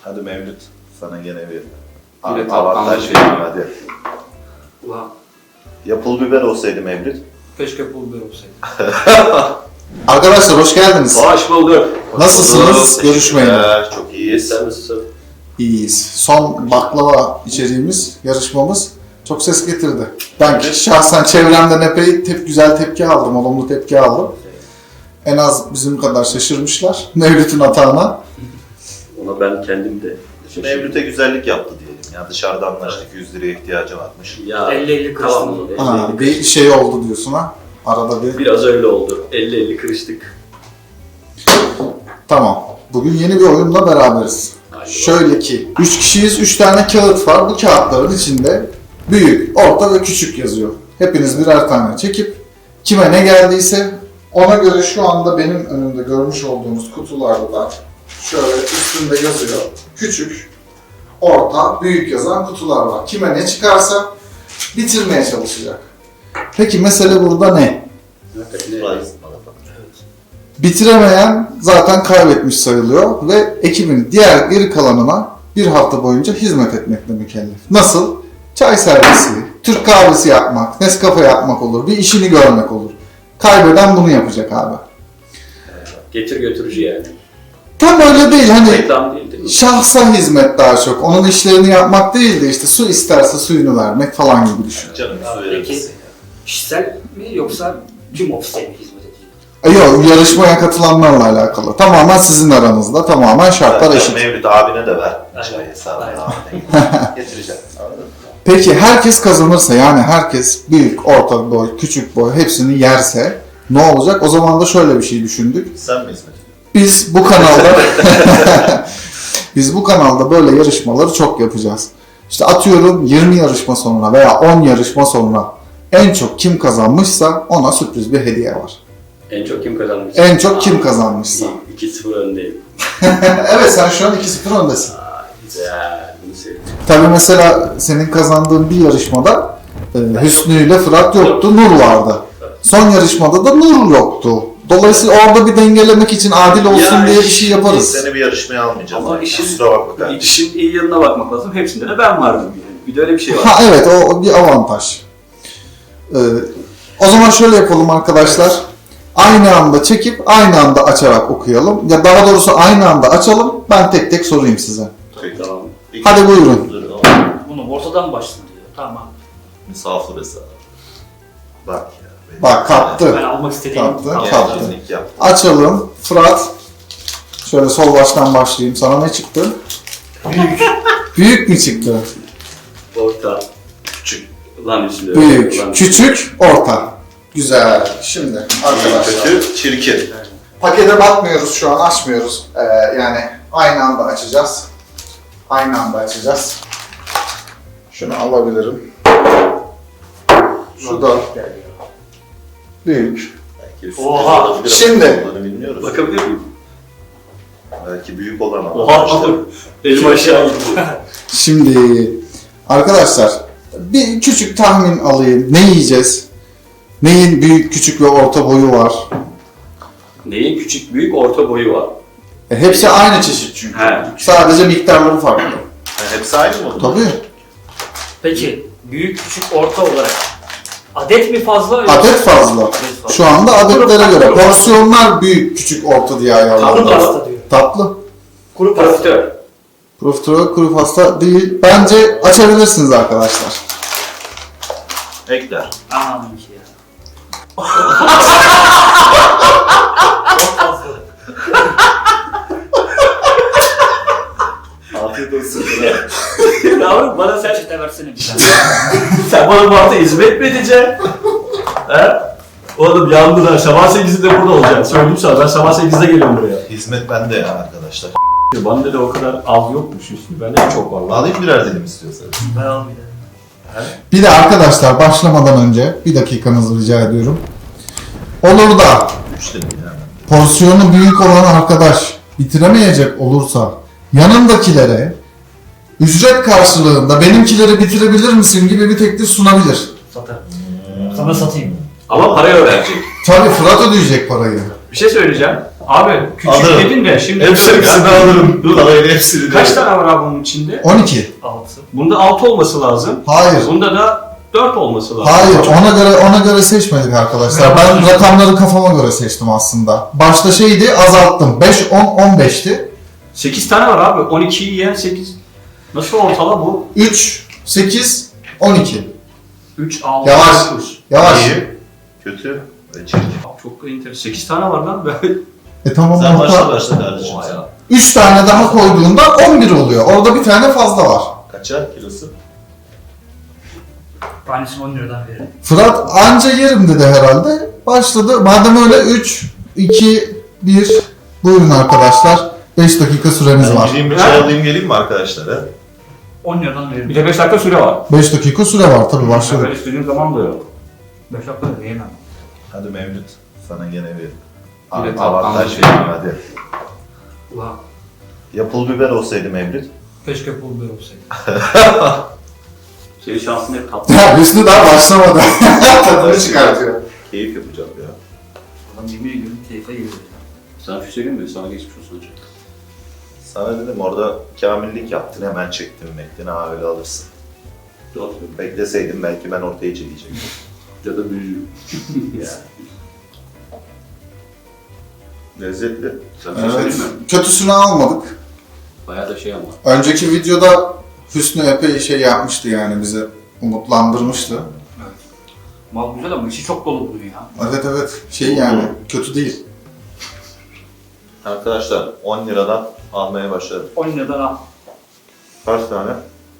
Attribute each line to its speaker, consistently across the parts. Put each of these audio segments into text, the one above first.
Speaker 1: Hadi Mevlüt, sana gene bir
Speaker 2: Yine
Speaker 1: avantaj
Speaker 2: tatlı
Speaker 1: vereyim hadi.
Speaker 2: Ulan
Speaker 1: Ya pul biber olsaydı Mevlüt.
Speaker 2: keşke pul biber olsaydı.
Speaker 3: Arkadaşlar hoş geldiniz.
Speaker 2: Hoş bulduk.
Speaker 3: Nasılsınız? Görüşmeyin.
Speaker 1: Çok iyiyiz.
Speaker 2: Sen nasılsın?
Speaker 3: İyiyiz. Son baklava içeriğimiz, yarışmamız çok ses getirdi. Ben şahsen çevremden epey güzel tepki aldım, olumlu tepki aldım. En az bizim kadar şaşırmışlar Mevlüt'ün hatağına.
Speaker 2: Ona ben kendim de şaşırdım.
Speaker 1: Mevlüt'e güzellik yaptı diyelim. Ya dışarıda anlaştık 100 liraya ihtiyacı varmış.
Speaker 2: Ya
Speaker 4: 50-50
Speaker 2: tamam.
Speaker 4: kırıştım.
Speaker 3: 50 bir şey oldu diyorsun ha. Arada bir.
Speaker 2: Biraz öyle oldu. 50-50 kırıştık.
Speaker 3: Tamam. Bugün yeni bir oyunla beraberiz.
Speaker 2: Haydi
Speaker 3: Şöyle ki 3 kişiyiz, 3 tane kağıt var. Bu kağıtların içinde büyük, orta ve küçük yazıyor. Hepiniz birer tane çekip kime ne geldiyse ona göre şu anda benim önümde görmüş olduğunuz kutularda da şöyle üstünde yazıyor. Küçük, orta, büyük yazan kutular var. Kime ne çıkarsa bitirmeye çalışacak. Peki mesele burada ne?
Speaker 1: Surprise.
Speaker 3: Bitiremeyen zaten kaybetmiş sayılıyor ve ekibin diğer geri kalanına bir hafta boyunca hizmet etmekle mükellef. Nasıl? Çay servisi, Türk kahvesi yapmak, Nescafe yapmak olur, bir işini görmek olur. Kaybeden bunu yapacak abi.
Speaker 2: Getir götürücü yani.
Speaker 3: Tam öyle değil, hani
Speaker 2: Reklam değil değil mi?
Speaker 3: şahsa hizmet daha çok. Onun işlerini yapmak değil de işte su isterse suyunu vermek falan gibi düşün.
Speaker 1: Canım su verir
Speaker 4: Peki
Speaker 1: misin?
Speaker 4: kişisel mi yoksa tüm ofise mi hizmet edecek?
Speaker 3: Yok, yarışmaya katılanlarla alakalı. Tamamen sizin aranızda, tamamen şartlar eşit.
Speaker 1: Mevlüt abine de ver.
Speaker 4: Aynen.
Speaker 1: Çay hesabını
Speaker 4: Aynen.
Speaker 1: abine getireceğim. Anladın mı?
Speaker 3: Peki herkes kazanırsa, yani herkes büyük, orta boy, küçük boy hepsini yerse ne olacak? O zaman da şöyle bir şey düşündük.
Speaker 1: Sen mi hizmet ediyorsun?
Speaker 3: Biz bu kanalda böyle yarışmaları çok yapacağız. İşte atıyorum 20 yarışma sonra veya 10 yarışma sonra en çok kim kazanmışsa ona sürpriz bir hediye var.
Speaker 2: En çok kim kazanmış?
Speaker 3: En çok kim kazanmışsa.
Speaker 2: 2-0 öndeyim.
Speaker 3: Evet, sen şu an 2-0 öndesin.
Speaker 2: Güzel. Bunu sevdim.
Speaker 3: Tabii mesela senin kazandığın bir yarışmada Hüsnü ile Fırat yoktu, Nur vardı. Son yarışmada da Nur yoktu. Dolayısıyla orada bir dengelemek için adil olsun
Speaker 2: Ya
Speaker 3: diye bir şey yaparız.
Speaker 1: Seni bir yarışmaya almayacağız.
Speaker 2: Ama
Speaker 1: Yani.
Speaker 2: işin-
Speaker 1: Kusura bakma kardeşim.
Speaker 2: İşin iyi yanına bakmak lazım. Hepsinde de ben vardım yani. Bir de öyle bir şey var.
Speaker 3: Ha evet, o bir avantaj. O zaman şöyle yapalım arkadaşlar. Aynı anda çekip aynı anda açarak okuyalım. Ya daha doğrusu aynı anda açalım. Ben tek tek sorayım size.
Speaker 2: Tamam.
Speaker 3: Hadi buyurun.
Speaker 4: Bunu ortadan başlasın diyor. Tamam.
Speaker 1: Misafir hesabı. Bak ya.
Speaker 3: Bak, kaptı.
Speaker 4: Ben almak istediğim
Speaker 3: Kaptı.
Speaker 1: Gencizlik yap.
Speaker 3: Açalım. Fırat. Şöyle sol baştan başlayayım. Sana ne çıktı?
Speaker 4: büyük.
Speaker 3: Büyük mü çıktı?
Speaker 2: Orta.
Speaker 1: Küçük.
Speaker 2: Lan üstünde.
Speaker 3: Büyük, küçük, orta. Güzel. Şimdi arkadaşlar.
Speaker 1: Kötü, çirkin.
Speaker 3: Pakete bakmıyoruz şu an, açmıyoruz. Yani aynı anda açacağız. Aynı anda açacağız. Şunu alabilirim. Şu da büyük.
Speaker 1: Belki sürpriz
Speaker 4: Oha!
Speaker 1: olabilir.
Speaker 3: Şimdi.
Speaker 1: Olduğunu bilmiyoruz.
Speaker 2: Bakabilir miyim?
Speaker 1: Belki büyük olan ama.
Speaker 2: Oha alır. Elim aşağı gitti.
Speaker 3: Şimdi arkadaşlar bir küçük tahmin alayım. Ne yiyeceğiz? Neyin büyük, küçük ve orta boyu var?
Speaker 2: Neyin küçük, büyük, orta boyu var?
Speaker 3: Hepsi aynı çeşit çünkü.
Speaker 2: He.
Speaker 3: Sadece miktarları farklı.
Speaker 1: Yani hepsi aynı mı?
Speaker 3: Tabii.
Speaker 4: Peki büyük küçük orta olarak adet mi fazla? yoksa-
Speaker 3: Adet fazla.
Speaker 4: Adet fazla.
Speaker 3: Şu anda adetlere göre.
Speaker 4: Kuru-
Speaker 3: Porsiyonlar büyük, küçük, orta diye
Speaker 4: Kuru
Speaker 3: ayarlandı.
Speaker 4: pasta diyor.
Speaker 3: Tatlı.
Speaker 4: Kuru pasta.
Speaker 2: Profiterol.
Speaker 3: Profiterol, kuru pasta değil. Bence açabilirsiniz arkadaşlar.
Speaker 1: Ekler.
Speaker 4: Aman ki ya. Çok fazla.
Speaker 1: Afiyet olsun.
Speaker 2: Yavrum bana sen...
Speaker 4: Peçete versene bir tane.
Speaker 2: Sen bana bu hafta hizmet mi edeceksin? He? Oğlum yandın ha. Sabah 8'de burada olacaksın. Söyleyeyim sana. Ben sabah 8'de geliyorum buraya.
Speaker 1: Hizmet bende ya arkadaşlar.
Speaker 2: Bende de o kadar az yokmuş üstü. Bende de çok var.
Speaker 1: Alayım birer dilim istiyorsanız.
Speaker 4: Ben almayayım.
Speaker 3: Bir de arkadaşlar başlamadan önce bir dakikanızı rica ediyorum. Olur da
Speaker 1: 3 dilim yani.
Speaker 3: porsiyonu büyük olan arkadaş bitiremeyecek olursa yanındakilere ücret karşılığında benimkileri bitirebilir misin gibi bir teklif sunabilir.
Speaker 4: Satarım. Sana satayım.
Speaker 2: Ama parayı öğrenecek.
Speaker 3: Tabii Fırat ödeyecek parayı.
Speaker 2: Bir şey söyleyeceğim. Abi küçük
Speaker 1: Alırım.
Speaker 2: dedin de şimdi...
Speaker 1: Hepsini alırım.
Speaker 2: Dur.
Speaker 1: Parayla hepsini de.
Speaker 2: Kaç tane var abi bunun içinde?
Speaker 3: 12.
Speaker 4: 6.
Speaker 2: Bunda 6 olması lazım.
Speaker 3: Hayır.
Speaker 2: Bunda da 4 olması lazım.
Speaker 3: Hayır, ona göre seçmedik arkadaşlar. Ben rakamları kafama göre seçtim aslında. Başta şeydi, azalttım. 5, 10, 15'ti.
Speaker 2: 8 tane var abi. 12'yi yiyen 8. Nasıl ortala bu?
Speaker 3: 3, 8, 12.
Speaker 2: 3, 6,
Speaker 3: Yavaş.
Speaker 2: 9.
Speaker 3: Yavaş.
Speaker 1: İyi. Kötü. Ve çirkin.
Speaker 2: Çok enteresan. 8 tane var lan.
Speaker 3: Tamam
Speaker 1: Sen
Speaker 3: orta.
Speaker 1: başla kardeşim
Speaker 2: Oha
Speaker 1: sen.
Speaker 2: ya.
Speaker 3: 3 tane daha koyduğunda 11 oluyor. Orada bir tane fazla var.
Speaker 1: Kaça kilosu?
Speaker 4: Tanesini 10 liradan veririm.
Speaker 3: Fırat anca yerim dedi herhalde. Başladı. Madem öyle 3, 2, 1. Buyurun arkadaşlar. 5 dakika süremiz
Speaker 1: Ben
Speaker 3: var.
Speaker 1: gideyim bir çay alayım geleyim mi arkadaşlar? He?
Speaker 4: 10 liradan
Speaker 2: Bir
Speaker 4: veririm.
Speaker 2: de 5 dakika süre var.
Speaker 3: 5 dakika süre var tabii başladık.
Speaker 2: Ben istediğim zaman da yok.
Speaker 4: 5 dakika da yiyemem.
Speaker 1: Hadi Mevlüt. Sana gene bir
Speaker 2: Bir de
Speaker 1: avantaj
Speaker 2: tatlı
Speaker 1: vereyim hadi.
Speaker 4: Ulan
Speaker 1: Ya pul biber olsaydı Mevlüt.
Speaker 4: keşke pul biber olsaydı.
Speaker 2: Senin şansın hep tatlı.
Speaker 3: Ya Hüsnü daha başlamadı. Tadını çıkartıyor.
Speaker 1: Keyif yapacağım ya.
Speaker 4: Adam yemin ediyorum keyfe geliyor.
Speaker 2: Sana bir şey söyleyeyim mi? Sana geçmiş olsun hocam.
Speaker 1: Sana dedim orada kamillik yaptın hemen çektim Mektin ha öyle alırsın.
Speaker 2: Doğru.
Speaker 1: Bekleseydim belki ben ortaya çekecektim.
Speaker 2: Ya da büyüğü.
Speaker 1: Yani. Lezzetli.
Speaker 2: Sana bir şey
Speaker 3: Evet.
Speaker 2: söyleyeyim mi?
Speaker 3: Kötüsünü almadık.
Speaker 2: Bayağı da şey ama.
Speaker 3: Önceki videoda Hüsnü epey şey yapmıştı yani bize umutlandırmıştı.
Speaker 4: Evet. Mal güzel ama içi çok dolu bunun ya.
Speaker 3: Evet şey yani kötü değil.
Speaker 1: Arkadaşlar 10 liradan almaya başladım.
Speaker 4: 10 liradan al.
Speaker 1: Kaç tane?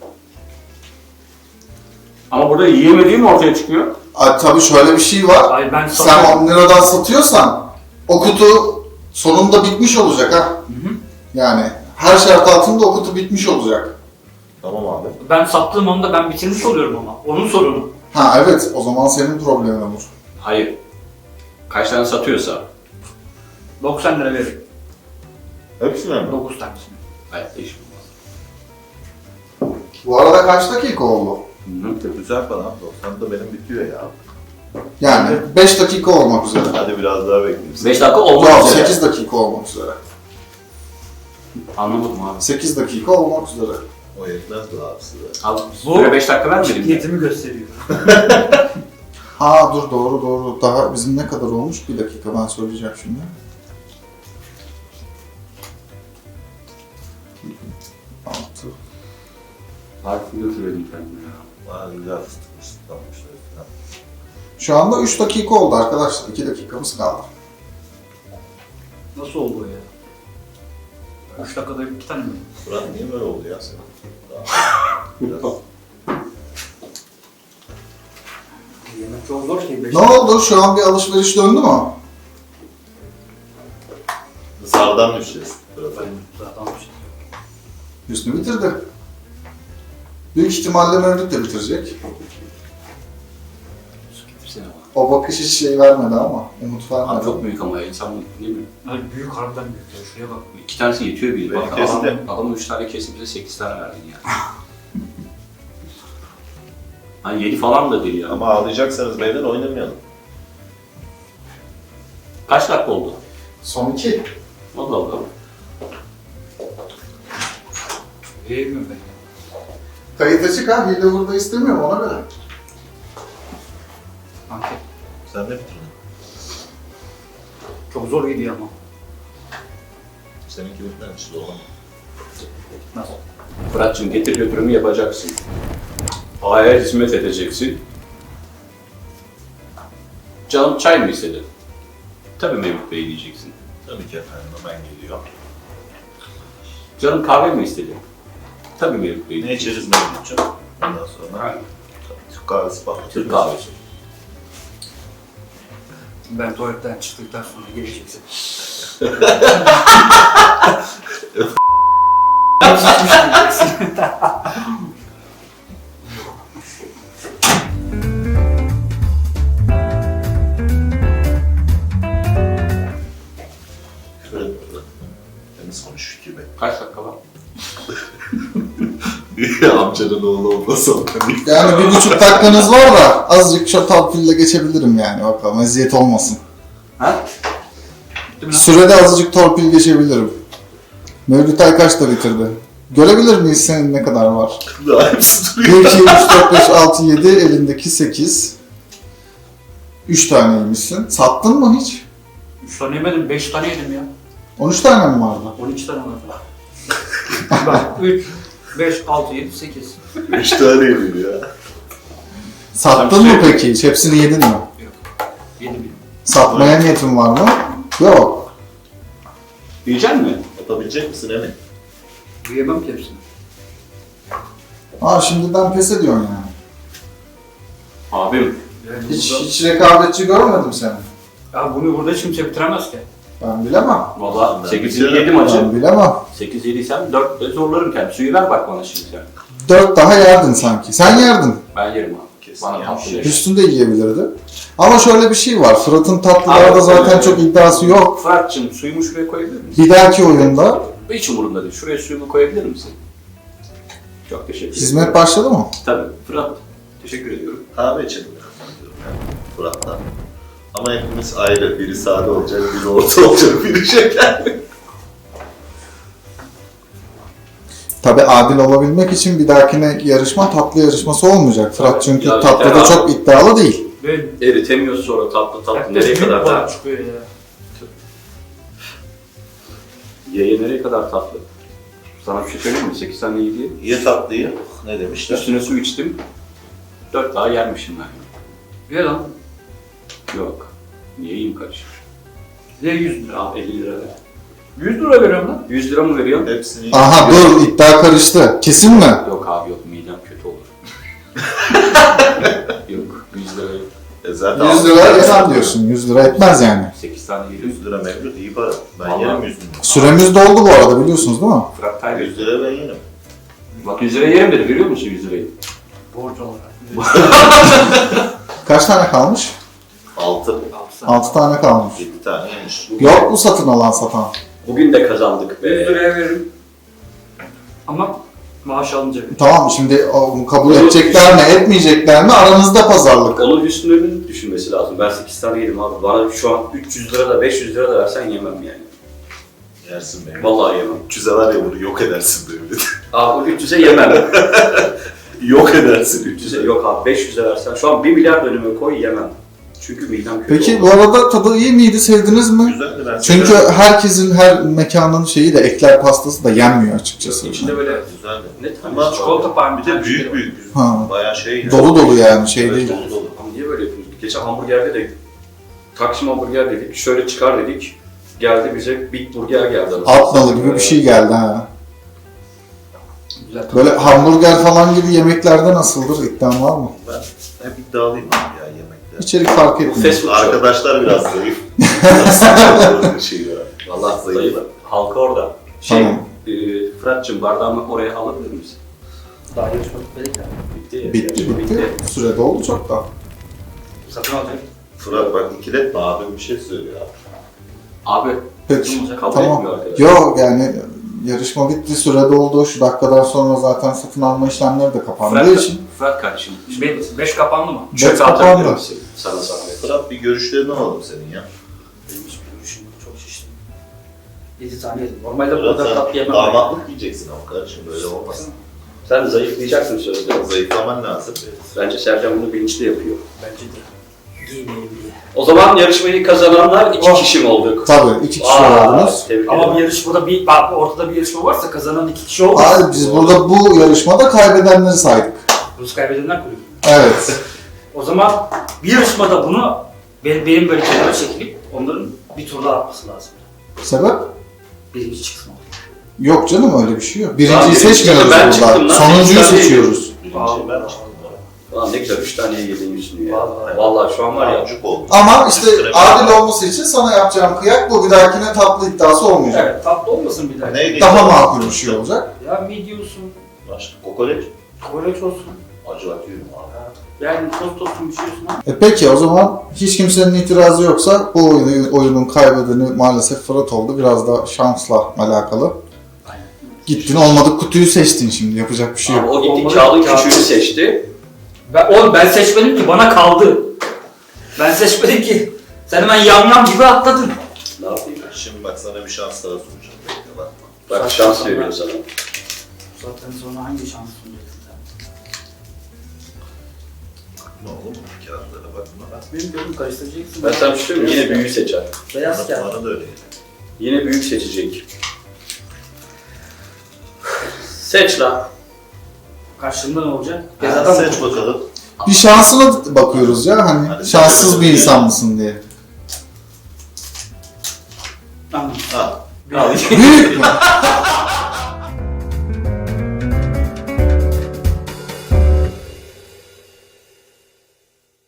Speaker 2: Ama burada yiyemediğim ortaya çıkıyor.
Speaker 3: Tabii şöyle bir şey var.
Speaker 4: Hayır ben
Speaker 3: Sen 10 liradan satıyorsan o kutu sonunda bitmiş olacak ha.
Speaker 4: Hı hı.
Speaker 3: Yani her şart altında o kutu bitmiş olacak.
Speaker 1: Tamam abi.
Speaker 4: Ben sattığım anda ben bitirmiş oluyorum ama. Onun sorunu.
Speaker 3: Ha evet o zaman senin problemin olur.
Speaker 2: Hayır. Kaç tane satıyorsa.
Speaker 4: 90 lira veririm.
Speaker 1: Hepsine mi?
Speaker 4: 9 tanesini.
Speaker 2: Hayatta iş bulmaz.
Speaker 3: Bu arada kaç dakika oldu?
Speaker 1: Güzel falan. 90 da benim bitiyor ya.
Speaker 3: Yani 5 dakika olmak üzere.
Speaker 1: Hadi biraz daha bekleyeyim.
Speaker 2: 5 dakika olmak
Speaker 3: Yok
Speaker 2: üzere.
Speaker 3: 8 dakika olmak üzere.
Speaker 2: Anlamadım abi.
Speaker 3: 8 dakika olmak üzere.
Speaker 1: O yetmez mi abi size?
Speaker 2: Abi
Speaker 4: Bu-
Speaker 2: süre 5 dakika vermedin mi?
Speaker 4: Ciddiyetimi gösteriyor.
Speaker 3: Ha dur doğru. Daha bizim ne kadar olmuş? Bir dakika ben söyleyeceğim şimdi. Altı.
Speaker 2: Harfini götürelim kendime ya.
Speaker 1: Bana güzel fıstık ısıtlanmışlar falan.
Speaker 3: Şu anda 3 dakika oldu arkadaşlar. 2 dakikamız kaldı.
Speaker 4: Nasıl oldu o ya? 3 dakikada 2 tane mi?
Speaker 1: Fırat niye böyle oldu ya senin? Biraz.
Speaker 4: Yemek çok zor şey. 5
Speaker 3: Ne oldu? Şu an bir alışveriş döndü mü?
Speaker 1: Zardan düşeceğiz. Fırat.
Speaker 4: Zaten bir şey.
Speaker 3: Hüsnü bitirdi. Büyük ihtimalle Mevlüt de bitirecek.
Speaker 2: Hepsine var.
Speaker 3: O bakış hiç şey vermedi ama. Umut
Speaker 2: Abi
Speaker 3: vermedi.
Speaker 2: çok büyük ama ya. İnsan ne bileyim.
Speaker 4: Abi büyük harbiden büyük ya. Şuraya bak.
Speaker 2: 2 tanesi yetiyor bir.
Speaker 1: Benim
Speaker 2: Bak
Speaker 1: kesin
Speaker 2: adam 3 tane kesip bize 8 tane verdin yani. Hani 7 falan da değil ya.
Speaker 1: Ama ağlayacaksanız beyler oynamayalım.
Speaker 2: Kaç dakika oldu?
Speaker 3: Son 2.
Speaker 2: Allah Allah.
Speaker 4: Yiyemiyorum ben ya.
Speaker 3: Kayıt açık ha. Hile burada istemiyorum ona göre.
Speaker 4: Anket.
Speaker 1: Sen de bitirdin.
Speaker 4: Çok zor gidiyor ama.
Speaker 1: Seninki bitmemiş de olamaz.
Speaker 4: Nasıl?
Speaker 2: Fırat'cığım getir götürümü yapacaksın. A'ya hizmet edeceksin. Canım çay mı istedi? Tabii Mevlüt Bey diyeceksin.
Speaker 1: Tabii ki efendim hemen geliyor.
Speaker 2: Canım kahve mi istedi? Tabii Mevlüt Bey
Speaker 1: Ne
Speaker 2: diyeceksin.
Speaker 1: içeriz Mevlüt'cüğüm? Ondan sonra
Speaker 2: Ha,
Speaker 1: Türk kahvesi falan.
Speaker 2: Türk kahvesi.
Speaker 4: Ben tuvaletten çıktıktan sonra geleceksin.
Speaker 1: Temiz konuş gibi.
Speaker 2: Kaç dakika var?
Speaker 1: Amcanın oğlu olmasa
Speaker 3: Yani 1,5 dakikanız var da azıcık şatal pille geçebilirim yani bakalım eziyet olmasın.
Speaker 2: Ha?
Speaker 4: Bitti mi lan?
Speaker 3: Sürede azıcık torpil geçebilirim. Mevlüt Aykaç da bitirdi. Görebilir miyiz senin ne kadar var?
Speaker 1: Daha hepsi
Speaker 3: 1,
Speaker 1: duruyor.
Speaker 3: 2, 3, 4, 5, 6, 7, elindeki 8. 3 taneymişsin. Sattın mı hiç?
Speaker 4: 3 tane yemedim, 5 tane yedim ya.
Speaker 3: 13 tane mi vardı?
Speaker 4: 12 tane var. Bak 3, 5, 6, 7, 8.
Speaker 1: 3 tane yemiyor ya.
Speaker 3: Sattın mı peki hiç? Hepsini yedin mi?
Speaker 4: Yedim yedim.
Speaker 3: Satmaya niyetin var mı? Yok.
Speaker 2: Yiyecek mi?
Speaker 1: Yapabilecek misin Emin?
Speaker 4: Yiyemem ki hepsini.
Speaker 3: Şimdiden pes ediyorsun yani.
Speaker 2: Abim.
Speaker 4: Yani
Speaker 3: Hiç rekabetçi görmedim seni.
Speaker 4: Ya bunu burada hiç kimse bitiremez ki.
Speaker 3: Ben bilemem.
Speaker 2: Valla
Speaker 1: Ben
Speaker 2: 8'ini
Speaker 1: bitiyorum.
Speaker 2: yedim acı.
Speaker 3: Ben bilemem.
Speaker 2: 8 yediysem 4 zorlarım kendimi. Suyu ver bak bana şimdi sen.
Speaker 3: 4 daha yerdin sanki. Sen yerdin.
Speaker 2: Ben yerim abi.
Speaker 1: Kesin
Speaker 2: Bana
Speaker 1: yanlış
Speaker 2: tatlı
Speaker 1: yer.
Speaker 2: yerim.
Speaker 3: Üstünde yiyebilirdi. Ama şöyle bir şey var. Fırat'ın tatlılarda
Speaker 2: Abi,
Speaker 3: zaten çok iddiası yok.
Speaker 2: Fırat'cığım suyumu şuraya koyabilir misin?
Speaker 3: Bir dahaki oyunda
Speaker 2: Hiç umurumda değil. Şuraya suyumu koyabilir misin? Çok teşekkür ederim.
Speaker 3: hizmet başladı mı?
Speaker 2: Tabii. Fırat. Teşekkür ediyorum.
Speaker 1: Kahve içelim yani Fırat'tan. Ama hepimiz ayrı. Biri sade olacak, biri orta olacak, biri şekerli.
Speaker 3: Tabi adil olabilmek için bir dahakine yarışma tatlı yarışması olmayacak. Fırat çünkü
Speaker 2: Ya,
Speaker 3: tatlıda
Speaker 2: ya.
Speaker 3: çok iddialı değil.
Speaker 4: Ben
Speaker 2: Eritemiyoruz sonra tatlı nereye kadar
Speaker 4: var
Speaker 2: tatlı?
Speaker 4: çıkıyor ya.
Speaker 2: Yeye nereye kadar tatlı? Sana bir şey söyleyeyim mi? 8 tane yedi.
Speaker 1: Ye tatlıyı. Ne demişler?
Speaker 2: Üstüne su içtim. 4 daha yermişim ben.
Speaker 4: Ye lan.
Speaker 2: Yok. Niye yiyeyim karışık?
Speaker 4: Ye 100 lira.
Speaker 2: Al 50 lira ver.
Speaker 4: 100 lira veriyorum lan.
Speaker 2: 100 lira mı veriyorsun?
Speaker 1: Hepsini
Speaker 3: Aha dur iddia karıştı. Kesin mi?
Speaker 2: Yok abi yok midem kötü olur. Yok 100 lira yok.
Speaker 1: zaten
Speaker 3: 100 lira yesen diyorsun. 100 lira etmez yani.
Speaker 2: 8 tane yedim.
Speaker 1: 100 lira mevcut iyi para. Ben
Speaker 2: Vallahi.
Speaker 1: yerim 100 lira.
Speaker 3: Süremiz doldu bu arada biliyorsunuz değil mi?
Speaker 2: Fırat Taylı.
Speaker 1: 100 lira ben yerim.
Speaker 2: Bak 100 lira yerim dedi görüyor musun 100 lirayı?
Speaker 4: Borç olarak.
Speaker 3: Kaç tane kalmış?
Speaker 1: 6.
Speaker 3: 6 tane kalmış.
Speaker 1: 7 tane yemiş.
Speaker 3: Yok mu satın alan satan?
Speaker 2: Bugün de kazandık
Speaker 4: 100
Speaker 2: be.
Speaker 4: liraya veririm. Ama maaş alınca verir.
Speaker 3: Tamam şimdi onu kabul edecekler mi etmeyecekler mi aranızda pazarlık.
Speaker 2: Onun üstünü düşünmesi lazım. Ben 8 tane yedim abi. Bana şu an 300 lira da 500 lira da versen yemem yani.
Speaker 1: Yersin beni.
Speaker 2: Vallahi yemem.
Speaker 1: 300'e var ya bunu yok edersin böyle.
Speaker 2: Abi 300'e yemem.
Speaker 1: Yok edersin
Speaker 2: 300'e yok abi 500'e versen şu an 1 milyar önüme koy yemem. Çünkü midem kötü
Speaker 3: Peki
Speaker 2: oldu.
Speaker 3: bu arada tadı iyi miydi? Sevdiniz mi?
Speaker 1: Güzeldi ben
Speaker 3: Çünkü
Speaker 1: severim.
Speaker 3: herkesin her mekanın şeyi de ekler pastası da yenmiyor açıkçası.
Speaker 2: İçinde böyle
Speaker 1: Güzeldi.
Speaker 2: ne tane
Speaker 1: Ama
Speaker 4: Çikolata parmesan.
Speaker 1: bir de büyük büyük.
Speaker 3: Ha.
Speaker 1: Bayağı şey.
Speaker 3: Dolu dolu yani şey
Speaker 1: Evet,
Speaker 3: değil.
Speaker 1: dolu dolu.
Speaker 2: Ama niye böyle yapıyoruz? Geçen hamburgerde de Taksim hamburger dedik, şöyle çıkar dedik. Geldi bize Big Burger geldi.
Speaker 3: Alt nalı gibi bir şey geldi ha.
Speaker 4: Güzel.
Speaker 3: Böyle hamburger falan gibi yemeklerde nasıldır? İddian var mı?
Speaker 1: Ben hep iddialıyım abi ya yemekte.
Speaker 3: İçerik fark etmiyor.
Speaker 2: Fast food
Speaker 1: Arkadaşlar biraz zayıf. Bir şey var.
Speaker 2: Valla
Speaker 1: Zayıf.
Speaker 2: zayıf. Halka orada.
Speaker 3: Tamam.
Speaker 2: Fırat'cığım bardağımı oraya alabilir misin?
Speaker 4: Daha yarışma bitmedi ya.
Speaker 2: Bitti.
Speaker 3: Bitti
Speaker 2: yarışma
Speaker 3: bitti. Süre doldu çok da.
Speaker 4: Satın alacak.
Speaker 1: Fırat bak ikiletme abim bir şey söylüyor abi.
Speaker 2: Abi
Speaker 3: Peki.
Speaker 2: kabul
Speaker 3: Tamam.
Speaker 2: etmiyor arkadaşlar.
Speaker 3: Yok yani yarışma bitti, süre doldu. Şu dakikadan sonra zaten satın alma işlemleri de kapandığı için.
Speaker 2: Fırat kardeşim.
Speaker 4: 5 kapandı mı?
Speaker 3: Bet
Speaker 2: Çöpe atabilir
Speaker 3: kapandı.
Speaker 2: misin? Sana zahmet.
Speaker 1: Fırat bir görüşlerini alalım senin ya.
Speaker 4: Benim hiç görüşüm yok, çok şiştim. 7 tane yedim. Normalde bu
Speaker 1: Fırat
Speaker 4: kadar tatlı
Speaker 1: sen
Speaker 4: yemem.
Speaker 1: damatlık yiyeceksin ama kardeşim böyle olmaz.
Speaker 2: Sen zayıflayacaksın sözde.
Speaker 1: Zayıflaman lazım.
Speaker 2: Bence Sercan bunu bilinçli yapıyor.
Speaker 4: Bence de. Giymeyeyim diye.
Speaker 2: O zaman yarışmayı kazananlar 2
Speaker 3: Oh.
Speaker 2: kişi mi olduk?
Speaker 3: Tabii 2 kişi oldunuz.
Speaker 2: Tebrik
Speaker 4: Ama
Speaker 2: ederim.
Speaker 4: bir yarışmada bak ortada bir yarışma varsa kazanan 2 kişi olur.
Speaker 3: Abi biz burada bu yarışmada kaybedenleri saydık.
Speaker 4: Rus kaybedenler kulübü.
Speaker 3: Evet.
Speaker 4: O zaman bir yarışmada bunu benim böyle kenara çekilip onların bir tur daha atması lazım.
Speaker 3: Sebep?
Speaker 4: Birinci çıksın orada.
Speaker 3: Yok canım öyle bir şey yok.
Speaker 2: Lan
Speaker 3: Birinciyi
Speaker 2: birinci
Speaker 3: seçmiyoruz
Speaker 2: ben
Speaker 3: burada.
Speaker 2: çıktım lan.
Speaker 3: Sonuncuyu
Speaker 2: Sekiz tane
Speaker 3: seçiyoruz.
Speaker 1: Birinci ben çıktım.
Speaker 2: Lan ne güzel 3 tane yedin yüzünü ya.
Speaker 4: Vallahi.
Speaker 2: Vallahi şu an var ya.
Speaker 1: Amcuk oldu.
Speaker 3: Ama işte
Speaker 1: Üstüne
Speaker 3: adil olması için sana yapacağım kıyak bu bir dahakine tatlı iddiası olmayacak.
Speaker 4: Evet tatlı olmasın bir daha.
Speaker 1: Neydi?
Speaker 3: Daha makul bir şey olacak.
Speaker 4: Ya midye
Speaker 1: Başka kokoreç.
Speaker 4: kokoreç olsun.
Speaker 1: Acı atıyorum abi.
Speaker 4: Yani tost olsun bir şey olsun ha.
Speaker 3: Peki o zaman hiç kimsenin itirazı yoksa bu oyunun kaybedeni maalesef Fırat oldu. Biraz da şansla alakalı.
Speaker 4: Aynen.
Speaker 3: Gittin olmadık kutuyu seçtin şimdi yapacak bir şey
Speaker 2: Abi
Speaker 3: yok.
Speaker 2: o gitti
Speaker 4: Olmadı.
Speaker 2: kağıdın
Speaker 4: Kağıt.
Speaker 2: küçüğünü seçti.
Speaker 4: Ben seçmedim ki bana kaldı. Ben seçmedim ki. Sen hemen yam gibi atladın.
Speaker 2: Ne yapayım?
Speaker 1: Şimdi bak sana bir şans daha sunacağım. Bekle bakma.
Speaker 2: Bak şans veriyor sana.
Speaker 4: Bu saatten sonra hangi şans sunacaksın sen?
Speaker 1: Bakma oğlum kağıtlara bakma.
Speaker 4: Bak benim gözüm karıştıracaksın.
Speaker 2: Ben sana bir şey söyleyeyim mi? Yine büyüğü seçer.
Speaker 4: Beyaz kağıt.
Speaker 1: Bana da öyle.
Speaker 2: Yine büyük seçecek. Seç lan.
Speaker 4: Karşılığında ne olacak?
Speaker 1: Hadi seç bakalım.
Speaker 3: Bir şansına bakıyoruz ya hani
Speaker 1: Hadi
Speaker 3: şanssız
Speaker 1: seç
Speaker 3: bir
Speaker 1: bakalım.
Speaker 3: insan mısın diye.
Speaker 4: Tamam.
Speaker 1: Ha.
Speaker 2: Al.
Speaker 3: Büyük mü?